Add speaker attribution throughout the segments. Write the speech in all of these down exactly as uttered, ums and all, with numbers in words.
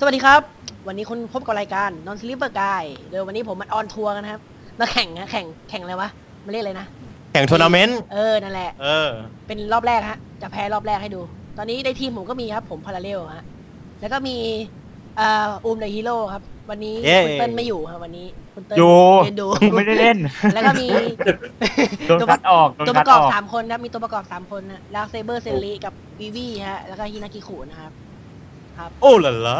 Speaker 1: สวัสดีครับวันนี้คุณพบกับรายการ Non Sleeper Guy โดยวันนี้ผมมาออนทัวร์กันนะครับมาแข่งนะแข่งแข่งอะไรวะมาเรียกอะไรนะ
Speaker 2: แข่งทัวร์นาเมนต์
Speaker 1: เออนั่นแหละ
Speaker 2: เออ
Speaker 1: เป็นรอบแรกฮะจะแพ้รอบแรกให้ดูตอนนี้ในทีมผมก็มีครับผมพาราเรลฮะแล้วก็มีเอ่ออูมเดอะฮีโร่ครับวันนี้คุณเติ้ลไม่อยู่ครับวันนี้คุณเติ้ลเล่นดู
Speaker 3: ไม่ได้เล่น
Speaker 1: แล้วก็มี
Speaker 3: ตัวคัดออก
Speaker 1: ตัวประกอบสามคนนะมีตัวประกอบสามคนนะลาเซเบอร์เซรีกับวีวีฮะแล้วก็ฮินากิคุนะครับครับ
Speaker 2: โอ้ล่ะล่ะ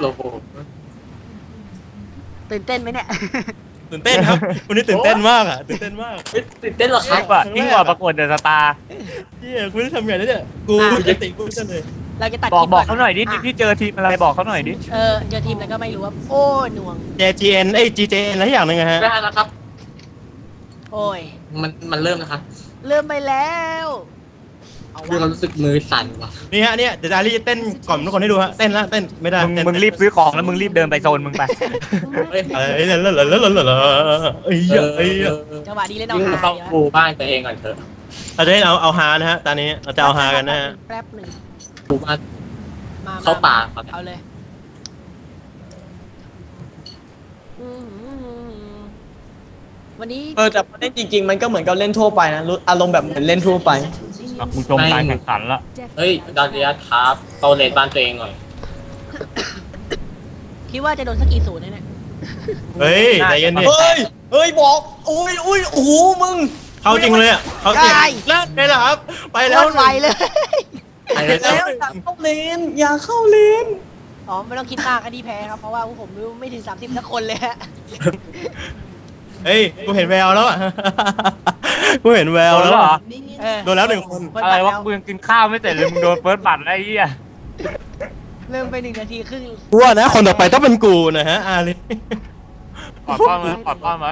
Speaker 1: ตื่นเต้นไหมเนี่ย
Speaker 2: ตื่นเต้นครับวันนี้ตื่นเต้นมากอ่ะตื่นเต้นมาก
Speaker 4: ตื่นเต้นหรอครับ
Speaker 3: ยิ่งกว่าประกวดเดอะสตาร์
Speaker 2: เฮียคุณจะทำไงเนี่ยกูจะติกูจะเลย
Speaker 1: เราจะตัด
Speaker 3: บอกบอกเขาหน่อยดิที่เจอทีมอะไรบอกเขาหน่อยดิ
Speaker 1: เออเจอทีมอะไรก็ไม่รู้ว่าโอ้หน่วง
Speaker 2: เจ จี เอ็น เอ้ย จี เจ เอ็น อะไรอย่างนึงฮะ
Speaker 4: ได้แล้วครับ
Speaker 1: โอ้ย
Speaker 4: มันมันเริ่มแล้วครับ
Speaker 1: เริ่มไปแล้ว
Speaker 4: คือเรารู้สึกมือสั่นว่ะ
Speaker 2: นี่ฮะเนี่ยเดี๋ยวดารี่เต้นก่อนทุกคนให้ดูฮะเต้นละเต้นไม่ได้
Speaker 3: มึงรีบซื้อของแล้วมึงรีบเดินไปโซนมึงไป
Speaker 2: เอ้ยเอ้ยแล้วแล้วแล้วแล้วแล้วเอ้ยเอ้ย
Speaker 1: จังหวะดีเลยน้อง
Speaker 4: หาต้องปูบ้านตัวเองก่อนเถอะ
Speaker 2: เราจะให้เอาเอาฮานะฮะตอนนี้เราจะเอาฮากันนะฮะ
Speaker 1: แป๊บหนึ่ง
Speaker 4: ปูบ้านเข้าป่า
Speaker 1: เอาเลยวันนี้
Speaker 5: เออแต่เล่นจริงๆมันก็เหมือนกับเล่นทั่วไปนะอารมณ์แบบเหมือนเล่นทั่วไป
Speaker 3: มึงชมการแข่งขันละ
Speaker 4: เฮ้ยดาริยัสครับโตเลนบ้านตัวเองหน่อย
Speaker 1: คิดว่าจะโดนสักกี่ศูนย์เนี่ย
Speaker 2: เฮ้ยใจเย็นดิ
Speaker 5: เฮ้ยเฮ้ยบอกอุ้ยอุ้ยโอ้โหมึง
Speaker 2: เขาจริงเลยอ่ะเขาจริงแล้วไงล่ะครับไปแล้ว
Speaker 1: ไวเลย
Speaker 5: ไปแล้วอย่าเข้าเลนอย่าเข้าเลน
Speaker 1: อ๋อไม่ต้องคิดมากคดีแพ้ครับเพราะว่าผมไม่ถึงสามสิบสักคนเลยฮะ
Speaker 2: เฮ้ยกูเห็นแววแล้วอ่ะกูเห็นแววแล้วเหรอโดนแล้วหนึ่งคน
Speaker 3: อะไรวะมึงกินข้าวไม่เสร็จเลยมึงโดนเฟิร์สบัตรไอ้เหี้ย
Speaker 1: เริ่มไปหนึ่งนาทีครึ่ง
Speaker 2: กูว่านะคนต่อไปต้องเป็นกูนะฮะอาลี
Speaker 3: ปอดป้อมไหมปอดป้อมไหม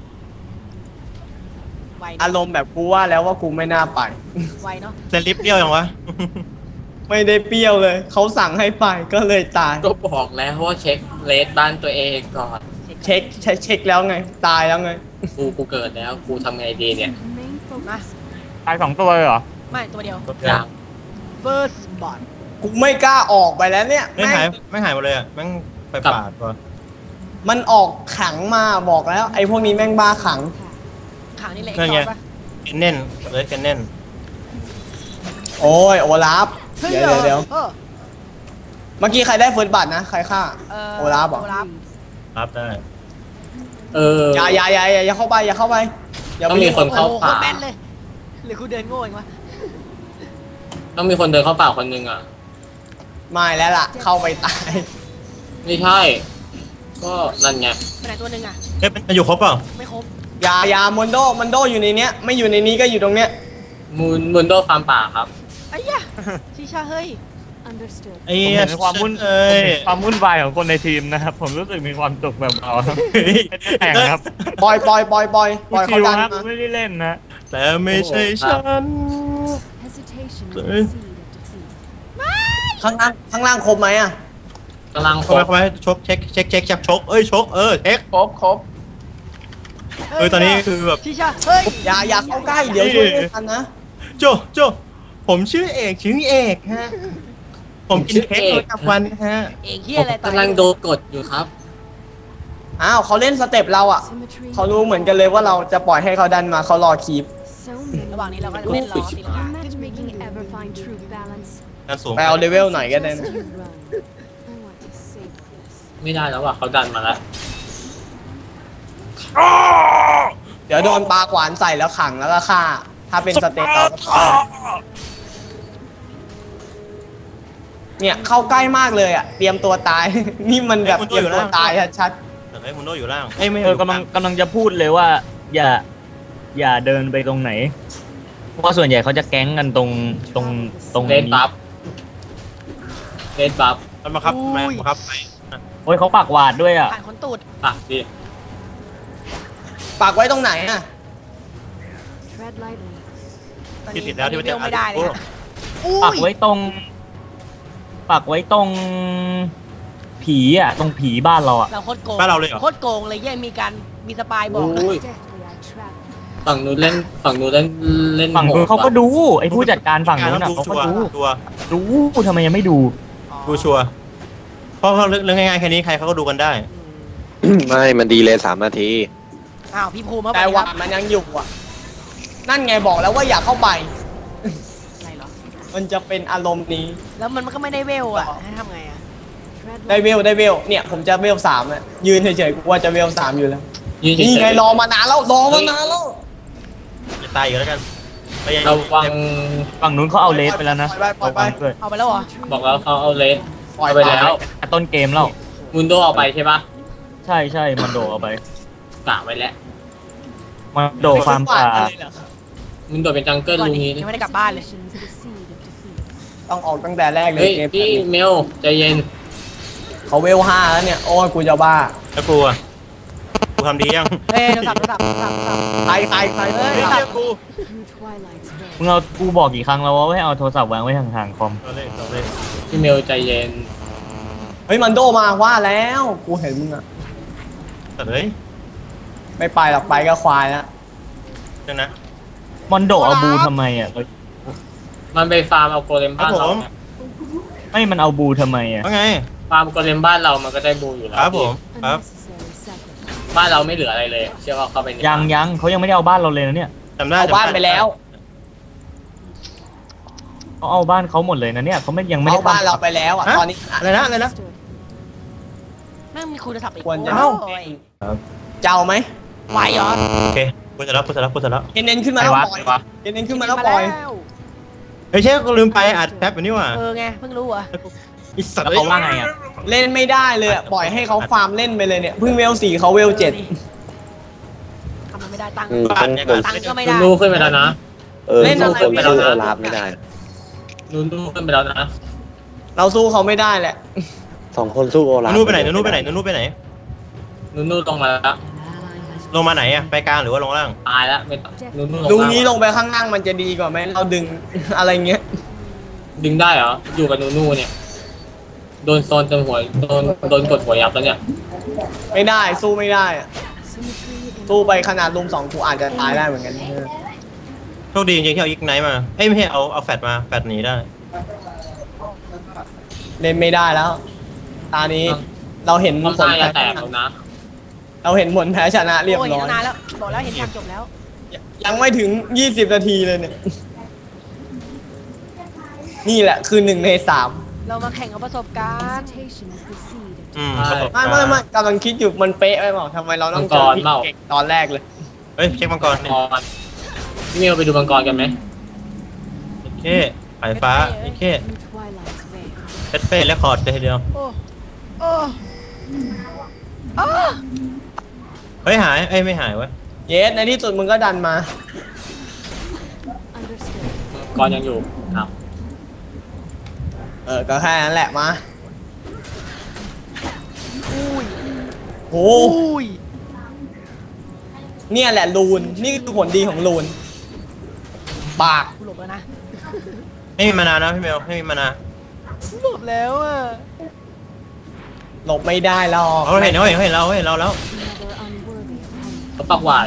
Speaker 5: อารมณ์แบบกูว่าแล้วว่ากูไม่น่าไป
Speaker 1: ไวเนาะ
Speaker 2: เซลิปเปรี้ยวยังวะ
Speaker 5: ไม่ได้เปรี้ยวเลยเขาสั่งให้ไปก็เลยตาย
Speaker 4: ก็บอกแล้วว่าเช็คเลสบ้านตัวเองก่อน
Speaker 5: เช็คเช็คเช็คแล้วไงตายแล้วไง
Speaker 4: กูกูเกิดแล้วกูทำไงดีเนี่ย
Speaker 3: ตายสองตัวเลยเหรอ
Speaker 1: ไม่ตัวเดียว
Speaker 4: ยัง
Speaker 1: First Bot
Speaker 5: กูไม่กล้าออกไปแล้วเนี่ย
Speaker 2: ไม่หายไม่หายหมดเลยอ่ะแม่งไปปาดตัว
Speaker 5: มันออกขังมาบอกแล้วไอ้พวกนี้แม่งบ้าขัง
Speaker 1: ขังนี่แหละ
Speaker 2: เงี้ยกันเน่นเลยกันเน่น
Speaker 5: โอ้ยโอลาฟเดี๋ยวเดี๋ยวเมื่อกี้ใครได้เฟิร์สบัตนะใครฆ่าโอลาฟบอก
Speaker 2: รับได้
Speaker 4: เออ
Speaker 5: อย่าอย่าอย่าอย่าเข้าไปอย่าเข้าไป
Speaker 4: ต้องมีคนเข้าป่า
Speaker 1: แม่นเลยหรือกูเดินโง่เองวะ
Speaker 4: ต้องมีคนเดินเข้าป่าคนนึงอ่ะ
Speaker 5: ไม่แล้วล่ะเข้าไปตาย
Speaker 4: ไม่ใช่ก็นั่นไง
Speaker 1: ไปไหนตัวนึงอ่ะ
Speaker 2: เอ๊ะมันอยู่ครบเปล่า
Speaker 1: ไม่ครบ
Speaker 5: อย่าอย่ามอนโดมอนโดอยู่ในเนี้ยไม่อยู่ในนี้ก็อยู่ตรงเนี้ย
Speaker 4: มูนมูนโดฟาร์มป่าครับ
Speaker 1: ไอ้ยะชิชาเฮ้ย
Speaker 2: ไอ้
Speaker 3: ความวุ่นความวุ่นวายของคนในทีมนะครับผมรู้สึกมีความสุขแบบเราแข่งครับ
Speaker 5: ปล่อยปล่อยปล่อยปล่อยปล่อยเขาดัน
Speaker 3: มาไม่ได้เล่นนะ
Speaker 2: แต่ไม่ใช่ฉัน
Speaker 5: ข้างล่างข้างล่างครบไหมอ่ะ
Speaker 4: กำลัง
Speaker 2: ครบไหมชกเช็คเช็คเช็คจับชกเอ้ยชกเออเช็ค
Speaker 5: ครบครบ
Speaker 2: เออตอนนี้คือแบบ
Speaker 1: ชิชาเฮ้ย
Speaker 5: อย่าอย่าเข้าใกล้เดี๋ยวช่วยไม่ทันนะ
Speaker 2: โจโจผมชื่อเอกชื่อเอกฮะผมกินเค้กประจำวันฮะ
Speaker 1: เอกเฮียอะไร
Speaker 4: กำลังโดนกดอยู่ครับ
Speaker 5: อ้าวเขาเล่นสเต็ปเราอ่ะเขารู้เหมือนกันเลยว่าเราจะปล่อยให้เขาดันมาเขารอคี
Speaker 1: ประหว่างนี้เราก็เล่นล้อตีลังกา
Speaker 5: ไปเอาเลเวลหน่อยก็ได้
Speaker 4: ไม่ได้แล้วว่ะเขาดันมาแล้ว
Speaker 5: เดี๋ยวโดนปลาขวานใส่แล้วขังแล้วก็ฆ่าถ้าเป็นสเต็ปเราเนี่ยเข้าใกล้มากเลยอ่ะเตรียมตัวตายนี่มันแบบเตรียมตัวตายชัด
Speaker 2: แต่ไอ้มุนโดอยู่ล่าง
Speaker 3: เอ้ยไม่เออกำลังกำลังจะพูดเลยว่าอย่าอย่าเดินไปตรงไหนเพราะว่าส่วนใหญ่เขาจะแก๊งกันตรงตรงตรง
Speaker 4: เลนบัฟเลนบัฟ
Speaker 2: มันมาครับมาครับไป
Speaker 3: โอ้ยเขาปากหวาดด้วยอ่ะ
Speaker 1: ผ่านคนตูด
Speaker 4: ปากดิ
Speaker 5: ปากไว้ตรงไหนอ่ะ
Speaker 2: ที่ติดแล้วที่มันจะ
Speaker 1: ไม่ได้เลย
Speaker 3: ปากไว้ตรงปักไว้ตรงผีอ่ะตรงผีบ้านเราอ่ะ
Speaker 1: เราโคตรโกง
Speaker 2: บ้านเราเลยเหรอ
Speaker 1: โคตรโกงเลยแย่มีการมีสปายบอก
Speaker 4: ฝั่งนู้นเล่นฝั่งนู้นเล่นเล่น
Speaker 3: ฝั่งนู้นเขาก็ดูไอ้ผู้จัดการฝั่งนู้นอ่ะเขาก็ดูดูทำไมยังไม่ดู
Speaker 2: ดูชัวเพราะเรื่องง่ายๆแค่นี้ใครเขาก็ดูกันได้
Speaker 6: ไม่มันดีเลยสามนาที
Speaker 1: อ้าวพี่ภูมิครับ
Speaker 5: แต่หวานมันยังอยู่อ่ะนั่นไงบอกแล้วว่าอย่าเข้าไป
Speaker 1: อะไรเหรอ
Speaker 5: มันจะเป็นอารมณ์นี้
Speaker 1: แล้วมันก็ไม่ได้เวลอ่ะให้ทำไงอ่ะ
Speaker 5: ได้เวลได้เวลเนี่ยผมจะเวลสามอ่ะยืนเฉยๆกูว่าจะเวลสามอยู่แล้ว
Speaker 4: ยืนเฉยๆ
Speaker 5: นี่ไงรอมานานแล้วรอมานานแล้ว
Speaker 2: จะตายอยู่แล้วกันไปยัง
Speaker 4: ระวัง
Speaker 3: ฝั่งนู้นเขาเอาเลสไปแล้วนะ
Speaker 5: ปล่อยไปปล่อยไป
Speaker 3: ด้วย
Speaker 1: เอาไปแล้วเหรอ
Speaker 4: บอกแล้วเขาเอาเลส
Speaker 5: ปล่อย
Speaker 4: เอาไปแล้ว
Speaker 3: ต้นเกมแล้ว
Speaker 4: มุนโดเอาไปใช่ปะ
Speaker 3: ใช่ใช่มันโดเอาไป
Speaker 4: กะไว้แล้ว
Speaker 3: มันโดฟาร์มป่า
Speaker 5: อะไรเหรอ
Speaker 4: มุนโดเป็นจังเกิล
Speaker 1: ก่อน
Speaker 4: ลุง
Speaker 1: นี้
Speaker 4: นี้
Speaker 1: ยังไม่ได้กลับบ้านเลย
Speaker 5: ต้องออกตั้งแต่แรกเลย
Speaker 4: เฮ้ย
Speaker 5: เกม
Speaker 4: พี่เมลใจเย็น
Speaker 5: เขาเวลห้าแล้วเนี่ยโอ้ยกูจะบ้า
Speaker 2: แล้วกูอ่ะกูทำดียัง
Speaker 1: เฮ้ยโทรศัพท์โทรศัพท์โทรศัพท์โทรศัพท์
Speaker 5: ใครใครใคร
Speaker 1: เอ้ย
Speaker 2: เรียกกู
Speaker 3: มึงเอากูบอกกี่ครั้งแล้วว่าให้เอาโทรศัพท์วางไว้ห่างๆคอม
Speaker 2: เอาเลยเอาเลย
Speaker 4: พี่เมลใจเย็น
Speaker 5: เฮ้ยมันโดมาว่าแล้วกูเห็นมึงอะ
Speaker 2: แต่เฮ้ย
Speaker 5: ไม่ไปหรอกไปก็ควายแล้ว
Speaker 2: เดี๋ยวนะ
Speaker 3: มันโดเอาบูทำไมอ่ะ
Speaker 4: มันไปฟาร์มเอาโกเลมบ้านเราเนี่ย
Speaker 3: ไม่มันเอาบูทำไมอ่ะ
Speaker 2: ว่าไง
Speaker 4: ฟาร์มโกเลมบ้านเรามันก็ได้บูอยู่แล้ว
Speaker 2: ครับผมครับ
Speaker 4: บ้านเราไม่เหลืออะไรเลย เชื่อว่าเข้าไปใน
Speaker 3: ยังยังเขายังไม่ได้เอาบ้านเราเลยนะเนี่ย
Speaker 2: จำได้
Speaker 5: เอาบ้านไปแล้ว
Speaker 3: เขาเอาบ้านเขาหมดเลยนะเนี่ยเขาไม่ยังไม่ได้
Speaker 5: เอาบ้านเราไปแล้วอ่ะ
Speaker 2: ฮะ
Speaker 5: ตอนนี้
Speaker 2: อะไรนะอะไรนะ
Speaker 1: แม่งมีคุยโทรศัพท์อีก
Speaker 5: ควรจะ
Speaker 1: โอ้ย
Speaker 5: เจ้าไหม
Speaker 1: ไหวเหรอ
Speaker 2: โอเคกูจะรับกูจะรับกูจะรับ
Speaker 5: เน้นๆขึ้นมาแล้วปล่อยเน้นๆขึ้นมาแล้วปล่อย
Speaker 2: เฮ้ยเช่กูลืมไปอัดแป๊บอยู่นี่หว่า
Speaker 1: เออไงเพิ่งรู้เหรอ่ะ
Speaker 2: อีสัตว์
Speaker 3: แล้วเขาว่าไงอ่ะ
Speaker 5: เล่นไม่ได้เลยอะปล่อยให้เขาฟาร์มเล่นไปเลยเนี่ยเพิ่งเวลสี่เขาเวลเจ็ด
Speaker 1: ทำมันไม่ได้ตังค์
Speaker 6: อืมต้องคน
Speaker 1: ตังค์ก็ไม่
Speaker 4: นุ
Speaker 1: ได้
Speaker 4: นดูขึ้นไปแล้วนะ
Speaker 6: เออต้องคนสู้โอลาฟไม่ได้
Speaker 4: นุนดูขึ้นไปแล้วนะ
Speaker 5: เราสู้เขาไม่ได้แหละ
Speaker 6: สองคนสู้โอลาฟ
Speaker 2: นู่นไปไหนนู่นไปไหนนู่นไปไหน
Speaker 4: นุนดูลงมาแล้ว
Speaker 2: ลงมาไหนอะไปกลางหรือว่าลงล่าง
Speaker 4: ตายแล้วไม่ต้องนุนดู
Speaker 5: ลุง
Speaker 4: ลง
Speaker 5: นี้ลงไปข้างล่างมันจะดีกว่าไหมเราดึง อะไรเงี้ย
Speaker 4: ดึงได้เหรอ อยู่กับนูนูเนี่ย โดนโซนจนหัว โดนโดนกดหัวยับแล้วเนี่ย
Speaker 5: ไม่ได้สู้ไม่ได้อะสู้ไปขนาดลุมสองกูอาจจะตายได้เหมือนกัน
Speaker 2: โชคดีจริงๆที่เอาอีกไนท์มาเอ้ยไม่ใช่เอาเอาแฟดมาแฟดหนีได้
Speaker 5: เล่นไม่ได้แล้ว ตานี้เราเห็นผ
Speaker 4: น้ำ
Speaker 5: ล
Speaker 4: ตาจะ
Speaker 5: แพ้
Speaker 4: แตกแล้วนะ
Speaker 5: เราเห็นผลแพ้ชนะเรียบ
Speaker 1: โอ้ย
Speaker 5: ร้
Speaker 1: เห็น
Speaker 5: อย
Speaker 1: ตั้งนานแล้วบอกแล้วเห็นฉากจบแล้ว
Speaker 5: ยังไม่ถึงยี่สิบนาทีเลยเนี่ย นี่แหละคือหนึ่งในสาม
Speaker 1: เรามาแข่งกับประสบการณ์
Speaker 2: อืม
Speaker 4: ใช่
Speaker 5: ไม่ไม่ไม่กำลังคิดอยู่มันเป๊ะไปเปล่าทำไมเราต้องเจอพี่เก่งตอนแรกเลย
Speaker 2: เฮ้ยเช็คมังกร
Speaker 4: มังกรพี่เมลไปดูมังกรกันไหม
Speaker 2: โอเคสายฟ้าโอเคเฟสเฟสและคอร์ดเลยทีเดียว
Speaker 1: โอ้โอ้โอ้
Speaker 2: เฮ้ยหายเอ้ยไม่หายวะ
Speaker 5: เยสในที่สุดมึงก็ดันมา
Speaker 4: มังกรยังอยู่ครับ
Speaker 5: เออก็แค่นั้นแหละมา
Speaker 1: อุ้ย
Speaker 5: โห
Speaker 1: อุ้ย
Speaker 5: เนี่ยแหละลูนนี่คือผลดีของลูนปาก
Speaker 1: กูหลบแล้วนะ
Speaker 2: ไม่มีมานานะพี่เมลไม่มีมานา
Speaker 1: กูหลบแล้วอ่ะ
Speaker 5: หลบไม่ได้หรอก
Speaker 2: เขาเห็นเขาเห็นเขาเห็นเราเขาเห็นเราแล้ว
Speaker 4: เขาปักหวาด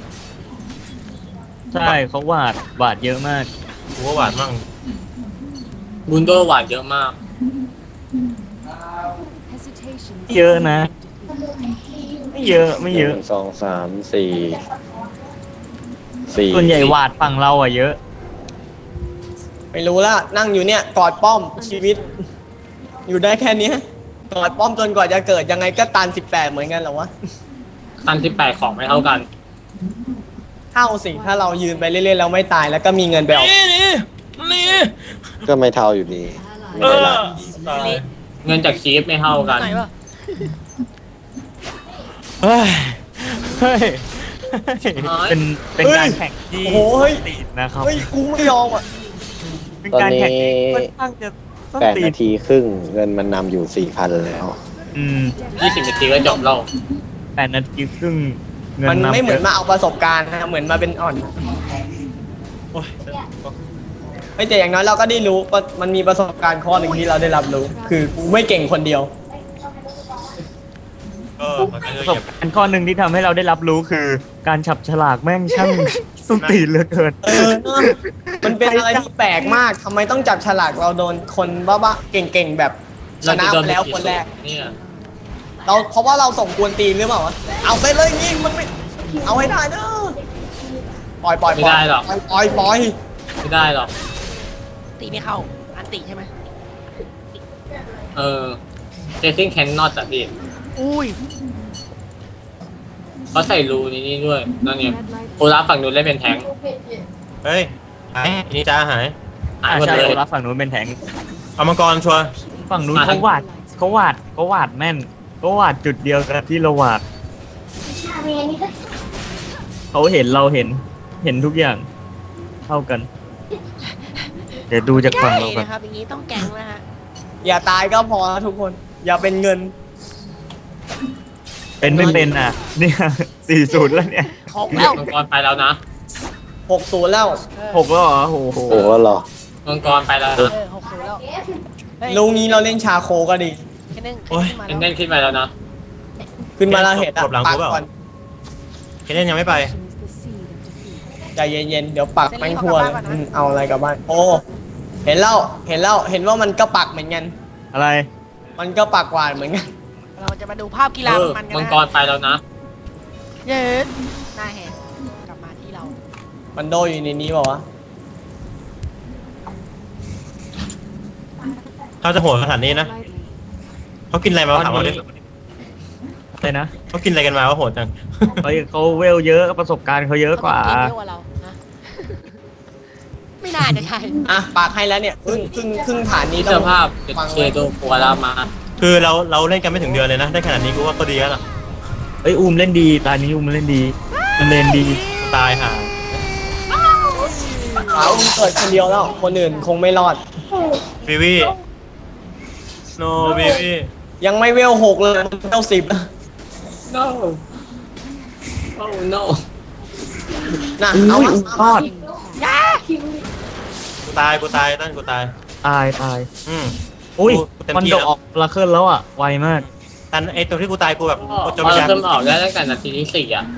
Speaker 3: ใช่เขาหวาดหวาดเยอะมาก
Speaker 2: กูว่าหวานมั่ง
Speaker 4: บุนโดหวาดเยอะมาก
Speaker 3: เยอะนะ ไม่เยอะไม่เยอะ
Speaker 6: หนึ่งสองสามสี่สี่
Speaker 3: ส่วนใหญ่หวาดฝั่งเราอ่ะเยอะ
Speaker 5: ไม่รู้ละนั่งอยู่เนี่ยกอดป้อมชีวิต อยู่ได้แค่เนี้ยกอดป้อมจนกว่าจะเกิดยังไงก็ตันสิบแปดเหมือนกันเหรอวะ
Speaker 4: คันที่แปดของไม่เท่ากัน
Speaker 5: เท่าสิถ้าเรายืนไปเรื่อยๆแล้วไม่ตายแล้วก็มีเงินไปเอา
Speaker 2: นี่นี่นี่
Speaker 6: ก็ไม่เท่าอยู่ดีไม่
Speaker 2: เอ
Speaker 6: เป็นไร
Speaker 2: อตาย
Speaker 4: เงินจากชีฟไม่เท่ากัน
Speaker 1: ไหนวะ
Speaker 2: เฮ้ยเฮ้ย
Speaker 3: เป็นเป็นการแข่งที่
Speaker 5: โอ้โหเฮ้ย
Speaker 3: ตีนนะครับ
Speaker 5: เฮ้ยกูไม่ยอมอ่ะ
Speaker 3: เป็น
Speaker 6: ตอน
Speaker 3: การ
Speaker 6: นี้
Speaker 3: แข่งที่ค่อนข้างจะต้อง
Speaker 6: แปด
Speaker 3: ตี
Speaker 6: นาทีครึ่งเงินมันนำอยู่สี่พันแล้ว
Speaker 3: อืม
Speaker 4: ยี่สิบนาทีก็จบแล้ว
Speaker 3: แปดนาทีครึ่งเงิน
Speaker 5: มัน
Speaker 3: นำ
Speaker 5: ไม่เหมือน
Speaker 3: ยะ
Speaker 5: มาเอาประสบการณ์นะเหมือนมาเป็นอ่อน
Speaker 2: โอ้ย
Speaker 5: ไม่แต่อย่างน้อยเราก็ได้รู้ว่ามันมีประสบการณ์ข้อหนึ่งที่เราได้รับรู้ คือกูไม่เก่งคนเดียว
Speaker 2: ก็มันก็
Speaker 3: ประสบการณ์ข้อหนึ่งที่ทำให้เราได้รับรู้คือ การฉับฉลากแม่งช่าง สุดตีนเหลือเกิน
Speaker 5: เออมันเป็นอะไรที่แปลกมากทำไมต้องจับฉลากเราโดนคนบ้าๆเก่งๆแบบชนะไปแล้วคนแรก
Speaker 4: เนี่ย
Speaker 5: เราเพราะว่าเราส่งกวนตีนหรือเปล่าวะเอาไปเลยยิงมันไม่เอาให้ได้เนอะปล่อยปล่อย
Speaker 4: ไม่
Speaker 5: ปล่อย
Speaker 4: ได้หรอก
Speaker 5: ปล่อยปล่อยปล่อย
Speaker 4: ไม่ได้หรอก
Speaker 1: ตีไม่เข้าอันตีใช่ไหม
Speaker 4: เออเจสซิ่งแคนนอตอะพี่
Speaker 1: อุ้ย
Speaker 4: เขาใส่รูนี้นี่ด้วยนั่นเนี่ยโอลาฟฝั่งนู้นเล่นเป็นแทงค์
Speaker 2: เฮ้ยหายนี่จ้าหาย
Speaker 4: หาย
Speaker 3: อ่า
Speaker 4: หมด
Speaker 3: ใช่
Speaker 4: เลย
Speaker 3: โอลาฟฝั่งนู้นเป็นแทงค์
Speaker 2: เอามังกรชัวร์
Speaker 3: ฝั่งนู้น
Speaker 4: อ่ะ
Speaker 3: เขาวาดเขาวาดเขาวาดแม่นเขาวาดจุดเดียวกับที่เราวาดเขาเห็นเราเห็นเห็นทุกอย่างเท่ากัน เดี๋ยวดูจากฝั่ง
Speaker 1: ใช่
Speaker 3: เรากัน
Speaker 1: นะครับอย่างนี้ต้องแกงนะฮะ
Speaker 5: อย่าตายก็พอนะทุกคน อย่าเป็นเงิน
Speaker 3: เป็นไม่เป็นอ่ะ เนี่ยสี่ศูนย์แล้วเนี่ย
Speaker 1: หกแล้ว
Speaker 4: มังกรไปแล้วนะ
Speaker 5: หกศูนย์แล้ว
Speaker 1: เออ
Speaker 3: หกแล้วเหรอโอ้โห
Speaker 6: โอ้โหเหรอ
Speaker 4: มังกรไปแล้ว
Speaker 1: เอ
Speaker 4: นะ
Speaker 1: อหกศูนย์แล้วเฮ้ย
Speaker 5: ลุงนี้เราเล่นชาโคก็ดี
Speaker 1: แค่นึง
Speaker 2: โอ้ย
Speaker 1: ขึ้นมา
Speaker 4: เน่นขึ้นไปแล้วนะ
Speaker 5: ขึ้นมาแล้วเห็นอ่ะ
Speaker 2: กดหลัง
Speaker 5: ปั
Speaker 2: กู
Speaker 5: ก
Speaker 2: เปล่า
Speaker 5: ก่อน
Speaker 2: เคเดนยังไม่ไป
Speaker 5: ใจเย็นๆ เดี๋ยวปักแม่งทั่วเลยอืมเอาอะไรกลับบ้าน โอ้ เห็นแล้ว เห็นแล้ว เห็นว่ามันก็ปักเหมือนกัน
Speaker 3: อะไร
Speaker 5: มันก็ปักหวานเหมือนกัน
Speaker 1: เราจะมาดูภาพกีฬา
Speaker 4: เออ
Speaker 1: มันกัน
Speaker 4: มัง
Speaker 1: นะ
Speaker 4: กรไปแล้วนะ
Speaker 1: เย็นหน้าแหกกลับมาที่เรา
Speaker 5: มันโดอยู่ในนี้เปล่าวะ
Speaker 2: เขาจะโหดขนาดนี้นะเขากินอะไรมาถามเขาดิ
Speaker 3: อะไรนะ
Speaker 2: เขากินอะไรกันมาว่าโหดจัง
Speaker 3: เขาเขาเวลเยอะประสบการณ์เขาเยอะกว่า
Speaker 1: เขต้องเก่งเยอะกว่าเรานะ ไม่น่าจะใช่
Speaker 5: อ่ะปักให้แล้วเนี่ยครึ่งครึ่งครึ่งฐานนี้
Speaker 4: นี่
Speaker 5: ต้
Speaker 4: ส
Speaker 5: อง
Speaker 4: ภาพเจ
Speaker 5: ฟัง
Speaker 4: เช
Speaker 5: ไว้
Speaker 4: โดโอลามา
Speaker 2: คือเราเราเล่นกันไม่ถึงเดือนเลยนะได้ขนาดนี้กูว่าก็ดีแล้วล่ะ
Speaker 3: เอ้ยอูมเล่นดีตานี้อูมเล่นดีมันเล่นดี
Speaker 2: ตายห่า
Speaker 5: เอาเกิดคนเดียวแล้ว คนอื่นคงไม่รอด
Speaker 2: วิวีโนวิวี
Speaker 5: ยังไม่เวลหกเลยเวลสิบ
Speaker 4: no oh no
Speaker 5: นะเอามา
Speaker 3: รอด
Speaker 1: ยา
Speaker 2: กูตายกูตายตั้นกูตาย
Speaker 3: ตายตาย
Speaker 2: อืม
Speaker 3: อุ้ย
Speaker 2: กูเต็ม
Speaker 3: มัน
Speaker 2: ที่
Speaker 3: โด
Speaker 2: แล้ว
Speaker 3: ออกลาเคิลแล้วอ่ะไวมาก
Speaker 2: ตันไอตัวที่กูตายกูแบบ
Speaker 4: พอ
Speaker 2: กูจน
Speaker 4: เรา
Speaker 2: วิญญาณ
Speaker 4: เริ่มออกได้ตั้งแต่นาทีที่สี่อ่ะ
Speaker 1: โอ้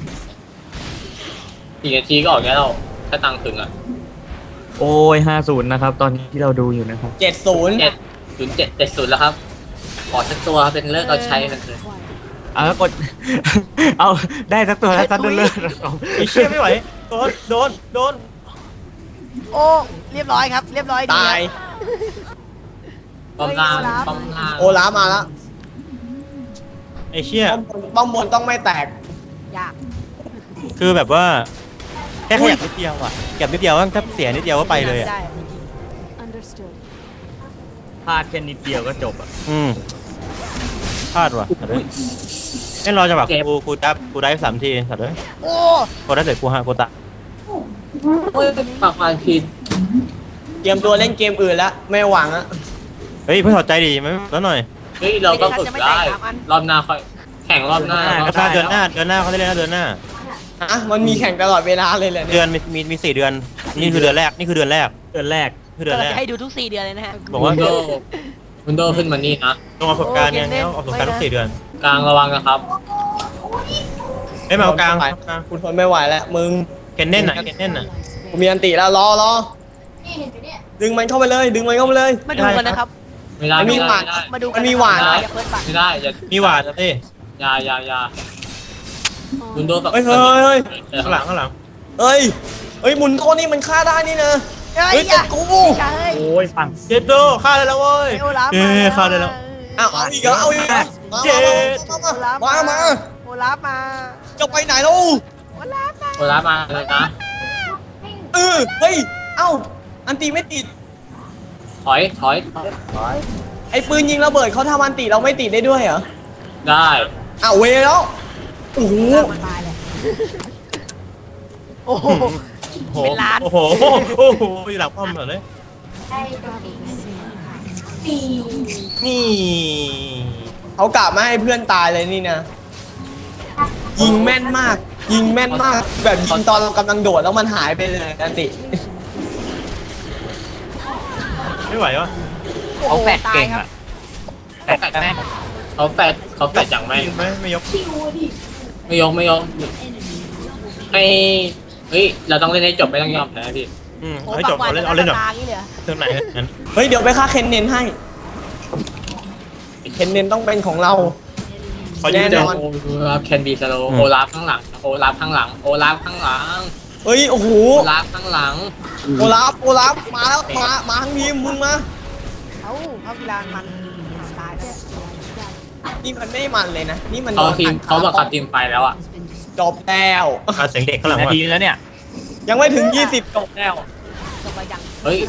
Speaker 4: สี่นาทีก็ออกแล้วถ้าตังค์ถึงอ่ะ
Speaker 3: โอ้ยห้าศูนย์นะครับ ตอนนี้ที่เราดูอยู่นะครับ
Speaker 5: เจ็ดศูนย์
Speaker 4: เจ็ดศูนย์เจ็ดเจ็ดศูนย์แล้วครับ ขอสักตัวเป็นเลิกเอาใช้มันเลย
Speaker 3: เอาแล้วกด เอาได้สักตัวแล้วซัดเลือด
Speaker 2: ไอเชี่ยไม่ไหวโดนโดนโดน
Speaker 1: โอ้เรียบร้อยครับ เรียบร้อยดี
Speaker 5: ตาย
Speaker 4: ป้อมล่างป้อมล่าง
Speaker 5: โอลาฟมาแล้ว
Speaker 2: ไอเชี่ย
Speaker 5: ป้อมบนป้อมบนต้องไม่แตก
Speaker 1: ยาก
Speaker 2: คือแบบว่าแค่ขยับนิดเดียวอ่ะขยับนิดเดียวถ้าเสียนิดเดียวก็ไปเลยอ่ะ
Speaker 1: ได้
Speaker 3: พลาดแค่นิดเดียวก็จบอ่ะ
Speaker 2: อืมพลาดว่ะสัตว์เลยเล่นรอจังหวะกูกูจับกูได้สามทีสัตว์เลย
Speaker 1: โอ้
Speaker 2: กูได้เสร็จกูฮะกูตะ
Speaker 4: โอ้ยปากวานผิด
Speaker 5: เตรียมตัวเล่นเกมอื่นแล้ว ไม่หวังอะ
Speaker 2: เฮ้ยเพิ่งถอดใจดีไหมแล้วหน่อย
Speaker 4: เฮ้ยเราก็ฝึกได้ รอบหน้าค่อยแข่งรอบหน้า
Speaker 2: เดือนหน้าเดือนหน้าเดือนหน้าเขาได้เล่นนะเดือนหน้า
Speaker 5: ฮะมันมีแข่งตลอดเวลาเลยเหรอ
Speaker 2: เดื
Speaker 5: เนี่ย
Speaker 2: อนมีมีมีสี่เดือนนี่คือเดือนแรกนี่คือเดือนแรก
Speaker 3: เดือนแรก
Speaker 2: คือเดือน
Speaker 1: เรา
Speaker 2: แรก
Speaker 1: จะให้ดูทุกสี่เดือนเลยนะฮะ
Speaker 2: บอกว่า
Speaker 4: วินโดวินโดขึ้นมานี่นะ
Speaker 2: ลงประสบการณ์เนี่ยแล้วเอาประสบการณ์ทุกสี่เดือน
Speaker 4: กลางระวังนะครับ
Speaker 2: ไม่มาเอากลาง
Speaker 5: กูทนไม่ไหวแล้วมึง
Speaker 2: เคนเน่นน่ะเคนเน่นน่ะ
Speaker 5: กูมีอันติแล้วรอรอดึงมันเข้าไปเลย ดึงมันเข้าไปเลย
Speaker 1: มาดูกันนะครับ
Speaker 4: ไม่ได้
Speaker 5: มันมี
Speaker 4: ไม่
Speaker 5: หวา
Speaker 4: ได้
Speaker 5: น
Speaker 4: ไม่ได้
Speaker 1: มาดูกั
Speaker 5: มันมีหวานเหรอ
Speaker 1: อย่าเพิ่งปัก
Speaker 4: ไม่ได้อย่า
Speaker 2: มีหวาดนะพี่
Speaker 4: อย่าอย่าอย่าวินโดกับ
Speaker 5: เฮ้ยเฮ้ยเฮ้ย
Speaker 2: ข้างหลังข้างหลัง
Speaker 5: เฮ้ยเฮ้ยหมุนโต้นี่มันฆ่าได้นี่นะ
Speaker 1: เฮ้
Speaker 5: เฮ้
Speaker 1: ย
Speaker 5: ย
Speaker 1: อย่า
Speaker 5: แต่กู
Speaker 1: ใช่
Speaker 3: โอ้ยฟัง
Speaker 2: เจ็ดโดฆ่าได้แล้วเว้ย
Speaker 1: ไอ้โอลาฟ
Speaker 2: เย้
Speaker 1: มา
Speaker 2: ฆ่าได้แล้ว
Speaker 5: อ้าวเอาอีกเหรอเอาอีกเหรอมา
Speaker 2: เจ็ด
Speaker 5: มามามามา
Speaker 1: โอลาฟมา
Speaker 5: จะไปไหนลูก
Speaker 1: โอลาฟมา
Speaker 4: โอลาฟมาเลยนะ
Speaker 5: เออเฮ้ยเอ้าอันตีไม่ติด
Speaker 4: ถอยถอยถอย
Speaker 5: ไอ้ปืนยิงระเบิดเขาทำอันติเราไม่ติดได้ด้วยเหรอ
Speaker 4: ได้
Speaker 5: อ้าวเวแล้วโอ้โห
Speaker 1: มันตายเลยโอ้โห
Speaker 2: โอ้โห
Speaker 1: เป็นล้าน
Speaker 2: โอ้โหโอ้โหอยู่หลังป้อมเลยนี่
Speaker 5: เขากะไม่ให้เพื่อนตายเลยนี่นะยิงแม่นมาก ยิงแม่นมาก แบบยิงตอนเรากำลังโดดแล้วมันหายไปเลยอันติ
Speaker 2: ไม่ไหววะ
Speaker 3: เขาแฟดเก่ง
Speaker 1: ตายครับ
Speaker 3: อ่ะแฟดแม่ง
Speaker 4: เขาแปดเขาแปดอย่างแม่ง
Speaker 2: ไม่ไม่ยก
Speaker 4: ไม่ยกไม่ยกให้เฮ้ยเราต้องเล่นให้จบไม่ต้องยอมแพ้พี่
Speaker 2: อืม
Speaker 1: โอ้
Speaker 2: ให้
Speaker 1: ปั
Speaker 2: จ
Speaker 1: ก
Speaker 2: บ
Speaker 1: หวาน
Speaker 2: เอาเล่นเอาเล่นแบบ
Speaker 1: ตางี้เลยเหรอ
Speaker 2: เท่าไหนงั้น
Speaker 5: เฮ้ยเดี๋ยวไปฆ่าเคนเนนให้เคนเนนต้องเป็นของเรา
Speaker 2: เขายืน
Speaker 5: แน่
Speaker 2: เดี๋ย
Speaker 5: น
Speaker 2: ว
Speaker 5: อน
Speaker 4: โอลาฟแคนบีสโลโอลาฟข้างหลังโอลาฟข้างหลังโอลาฟข้างหลัง
Speaker 5: เฮ้ยโอ้โห
Speaker 4: โอลาฟข้างหลัง
Speaker 5: โอลาฟโอลาฟมาแล้วมามาทั้งทีมมึงมา
Speaker 1: เอ้าเข้ากีฬามันตายเนี่ย
Speaker 5: นี่มันไม่มันเลยนะ นี่มัน
Speaker 4: เขาทีม
Speaker 5: โดน
Speaker 4: เขาบอกกับทีมไฟแล้วอ่ะ
Speaker 5: จบแล้ว
Speaker 2: อ่ะเสียงเด็กข้างหลัง
Speaker 3: นา
Speaker 2: ว่ะ
Speaker 3: ทีแล้วเนี่ย
Speaker 5: ยังไม่ถึงยี่สิบจบแล้ว
Speaker 1: จบไปยัง
Speaker 4: เฮ้ย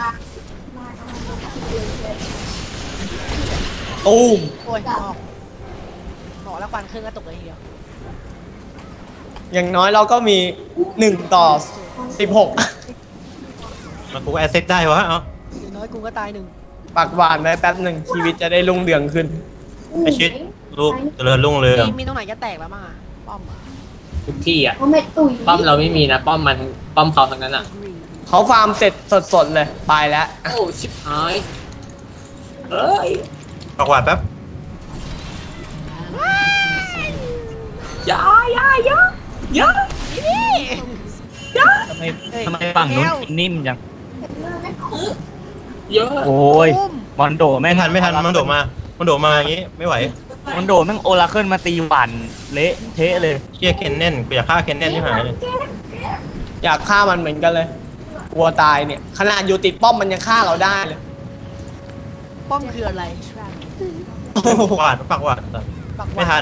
Speaker 5: ตูม
Speaker 1: โอ้ยออกบอกแล้วควันขึ้นก็ตกเลยทีเดียว
Speaker 5: อย่างน้อยเราก็มีหนึ่งต่อสิบหก
Speaker 2: มันกูแอสเซทได้วะเอ้า
Speaker 1: อย่างน้อยกูก็ตายหนึ่ง
Speaker 5: ปากหวานไว้แป๊บหนึ่งชีวิตจะได้รุ่งเรืองขึ้น
Speaker 2: ไอชิดลูกเจริญรุ่งเรือง
Speaker 1: มีมีตรงไหนจะแตกแล้วมั้งอ่ะป้อมอ่ะ
Speaker 4: ทุกที่อ่ะป้อมเราไม่มีนะป้อมมันป้อมเขาทั้งนั้นอ่ะ
Speaker 5: เขาฟาร์มเสร็จสดๆเลยไปแล้ว
Speaker 4: โอ้ชิบหายเอ้ย
Speaker 2: ปากหวานแป๊บ
Speaker 4: ยาอยาอยาอยา
Speaker 1: นี่
Speaker 3: ทำไมทำไมฝั่งนู้นนิ่มจัง
Speaker 4: เยอะ
Speaker 3: โอ้ย
Speaker 1: อุ้ม
Speaker 3: มอนโดแม่
Speaker 2: ไม่
Speaker 3: ง
Speaker 2: ทันไม่ทันมันโดดมามันโดดมาอย่างงี้ไม่ไหว
Speaker 3: มอนโดแม่งโอลาเคิลมาตีหวันเละเทะเลย
Speaker 2: เชี่ยเคนเน่นกูอยากฆ่าเคนเน่นที่หายเลย
Speaker 5: อยากฆ่ามันเหมือนกันเลยกลัวตายเนี่ยขนาดอยู่ติดป้อมมันยังฆ่าเราได้เลย
Speaker 1: ป้อมคืออะไร
Speaker 2: ปากหวานปากหวาน
Speaker 1: ปักหวา
Speaker 2: ไม่ทัน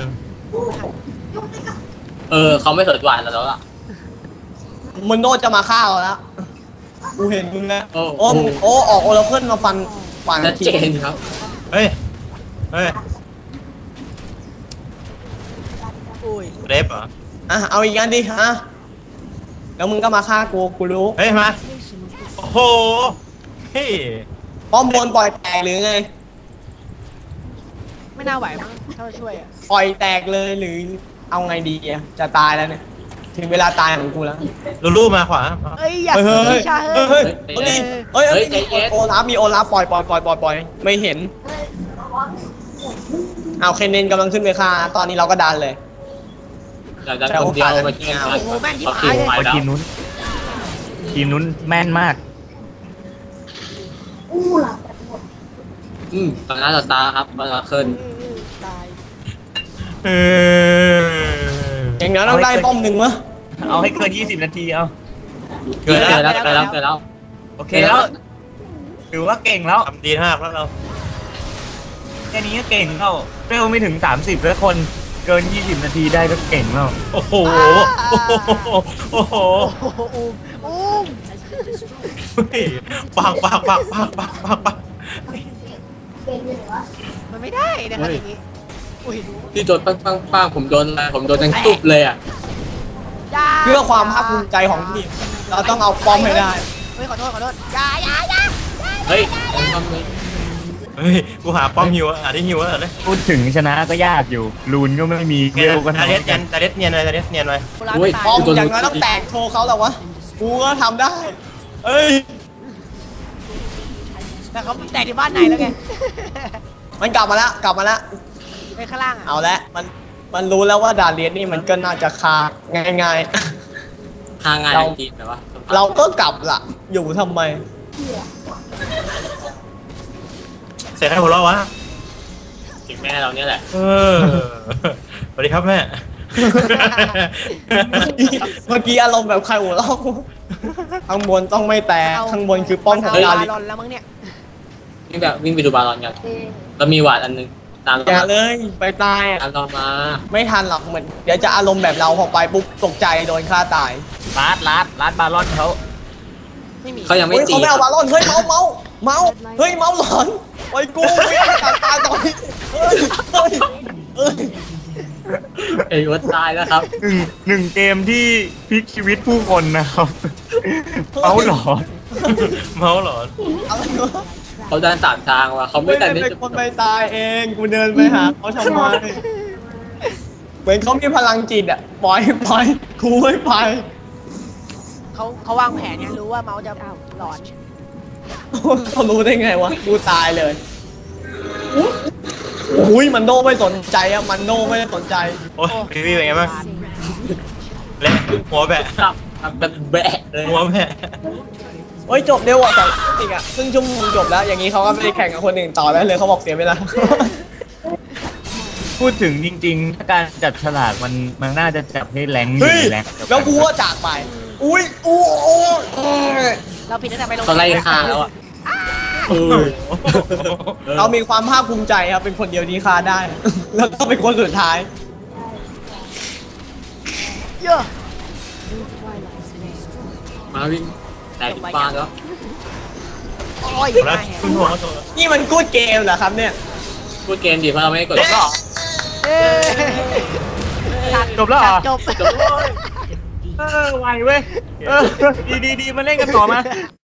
Speaker 4: เออเขาไม่สนหวานเราแล้วล่ะ
Speaker 5: มอนโดจะมาฆ่าเราแล้วกูเห็นมึงแล้ว
Speaker 4: โอ้
Speaker 5: โอ้มึงโอ้ออกโอราเคิลมาฟันฟัน
Speaker 4: ชัดเจนครับ
Speaker 2: เฮ้ยเฮ้ย
Speaker 1: โอ้ย
Speaker 2: เรฟเหรอ
Speaker 5: อ่ะเอาอีกอันดิฮะแล้วมึงก็มาฆ่ากูกูรู้
Speaker 2: เฮ้ยมาโอ้โหเฮ้ย
Speaker 5: ป้อมบนปล่อยแตกหรือไง
Speaker 1: ไม่น่าไหวมั้งถ้าจะช่วยอ่ะ
Speaker 5: ปล่อยแตกเลยหรือเอาไงดีอะจะตายแล้วเนี่ยถึงเวลาตายของกูแล้ว
Speaker 2: ลูลูมาขวา
Speaker 1: เอ้ยอย่า
Speaker 5: เฮ้ยเฮ้ย
Speaker 1: ชา
Speaker 5: เฮ้
Speaker 1: เฮ้
Speaker 5: ย
Speaker 1: ย
Speaker 5: เฮ้ยเฮ้ยเฮ้ยเฮ้ยโอลาฟมีโอลาฟปล่อยปล่อยปล่อยปล่อยปล่อยไม่เห็นเอาเคนเนนกำลังขึ้นไปฆ่าตอนนี้เราก็ดันเลย
Speaker 4: เราจะคนเดียวมาเที่ยวกันเขาทีมไฟ
Speaker 3: โอ้ย
Speaker 4: แล้ว
Speaker 3: ทีมนู้น ทีมนู้นแม่นมาก
Speaker 4: อืมตอนนั้นเราตาครับเราขึ้น
Speaker 1: ตาย
Speaker 2: เออ
Speaker 5: อย่างนั้นต้องได้ป้อมหนึ่งวะ
Speaker 3: เอาให้เกินยี่สิบนาทีเอา
Speaker 2: เกิด
Speaker 4: เจ
Speaker 2: แล้ว
Speaker 4: อแล้วเจอแล้วเจอแล้ว
Speaker 3: โอเคแล้ว ถือว่าเก่งแล้ว
Speaker 2: ทำดีมากแล้วเรา
Speaker 3: แค่นี้ก็เก่งแล้วเร็วไม่ถึงสามสิบแล้วคนเกินยี่สิบนาทีได้ก็เก่งแล้ว
Speaker 2: โอ้โหโอ้โหโอ้โห
Speaker 1: โอ้โหอุ้มอุ้ม
Speaker 2: เฮ้ยปักปักปักปักปักปักปัก
Speaker 1: มันไม่ได้นะครับอย่างนี้อุ้ย
Speaker 4: ที่โดนปังปังปังผมโดนอะไรผมโดนทั้งตุบเลยอ่ะ
Speaker 1: ย่า
Speaker 5: เพื่อความภาคภูมิใจของทีมเราต้องเอาป้อมให้ได้
Speaker 1: เฮ้ยขอโทษขอโทษอย่าอย่าอย่า
Speaker 4: เฮ้ยผมทำเลย
Speaker 2: เฮ้ยกูหาป้อมฮิวอ่ะที่ฮิวอ่ะเลย
Speaker 3: พูดถึงชนะก็ยากอยู่ ลูนก็ไม่มีเวลก็
Speaker 2: ตา
Speaker 3: ทำ
Speaker 2: เด็
Speaker 3: ไม่
Speaker 2: ดเนี
Speaker 3: กั
Speaker 2: ยน
Speaker 3: น
Speaker 2: ตาเด็ดเนียนเลยตาเด็ดเนียนเลย
Speaker 1: โบราณไม่ตาย
Speaker 5: ป้อมอย่างน้อยต้องแตกโชว์เขาแล้ววะกูก็ทำได้เอ้ย
Speaker 1: แต่เขาแตกที่บ้านไหนแล้วไง
Speaker 5: มันกลับมาแล้วกลับมาแล้ว
Speaker 1: ไปข้างล่างอ่ะ
Speaker 5: เอาละมันมันรู้แล้วว่าดาเลียนนี่มันก็น่าจะคาง่าย
Speaker 4: ทางงานทันทีแต่ว่า
Speaker 5: ๆ เราก็กลับล่ะ อยู่ทำไม
Speaker 2: เสร็จให้หัวเราะวะ
Speaker 4: ถึงแม่เราเนี่ยแหละ
Speaker 2: เออสวัสดีครับแม่
Speaker 5: เมื่อกี้อารมณ์แบบใครหัวเราะกูข้างบนต้องไม่แตกข้างบนคือป้อมของ
Speaker 1: เา
Speaker 5: ดา
Speaker 1: บา
Speaker 5: เลียน
Speaker 1: ลอนแล้วมั้งเนี่ย
Speaker 4: วิ่งแบบวิ่งไปดูบาลอนกันแล้วมีหวาดอันนึงตาม
Speaker 5: อ
Speaker 4: เรา
Speaker 5: ย่า
Speaker 4: มา
Speaker 5: เลยไปตายอะ
Speaker 4: ตามเรามา
Speaker 5: ไม่ทันหรอกเหมือนเดี๋ยวจะอารมณ์แบบเราพอไปปุ๊บตกใจโดนฆ่าตาย
Speaker 3: ลาดลาดลาดบาลอนเขา
Speaker 1: ไม่มี
Speaker 4: เขายังไม่
Speaker 5: เฮ้ย
Speaker 4: ตี
Speaker 5: เขาไม่เอาบาลอนเฮ้ยเมาเมาเมาเฮ้ยเมาหลอนไอ้กูไม่ได้ตายตายตอนนี้เฮ้ยเฮ้ยเฮ้ย
Speaker 4: เอ้ยวัดตายแล้วครับ
Speaker 3: หนึ่งหนึ่งเกมที่พลิกชีวิตผู้คนนะครับเอาหลอน
Speaker 2: เมาหลอน
Speaker 5: อะไรวะ
Speaker 4: เขาเดินสามทางว่ะเขาไม่
Speaker 5: ไม่
Speaker 4: แต่
Speaker 5: ได้
Speaker 4: นี่
Speaker 5: เป็นคนไปตายเองกูเดินไปหาเขาทำไมเหมือนเขามีพลังจิตอ่ะปล่อยปล่อยกูไม่ไป
Speaker 1: เขาเขาวางแผนเนี่ยรู้ว่าเมาส์จะหลอน
Speaker 5: เขารู้ได้ไงวะกูตายเลยอุ้ยมันโนไม่สนใจอะมันโนไม่ได้สนใจ
Speaker 2: โอ้ยพี่พี่เป็นไงบ้างเละหัวแบะ
Speaker 4: ครับครับแบบแบะเลย
Speaker 2: หัวแบะ
Speaker 5: เฮ้ยจบเร็วอ่ะแต่จริงอ่ะครึ่งชั่วโมงจบแล้ว อย่างนี้เขาก็ไม่ได้แข่งกับคนอื่นต่อแล้วเลยเขาบอกเสียเวลา
Speaker 3: พูดถึงจริงๆ ถ้าการจับฉลากมันมันน่าจะจับให้แรงอยู่
Speaker 5: เฮ้ย
Speaker 3: ในแรงเดีย
Speaker 5: แล้วกูก็จากไป อุ้ยอู้โอ้ย
Speaker 1: เราผิดตั้งแต่ไปลง
Speaker 4: ตอนไล่ฆ่าแล้วอ่ะ
Speaker 5: เออเรามีความภาคภูมิใจครับ เป็นคนเดียวที่ฆ่าได้ แล้วก็เป็นคนสุดท้าย
Speaker 1: เยอะ
Speaker 4: มาวิ่งแต่ติดบ้านแล้ว
Speaker 1: โอ้ย
Speaker 2: แล้ว
Speaker 1: มาแห
Speaker 2: คุณหัวเขาตัว
Speaker 5: นี่มันกูดเกมเหรอครับเนี่ย
Speaker 4: พูดเกมดิเพราะเราไม่ได้กด
Speaker 1: เอ้ยตัด
Speaker 3: จบแล้วเหรอ
Speaker 1: จบ
Speaker 3: เออไวเว้ยเออดีดีดีมาเล่นกันต่อมา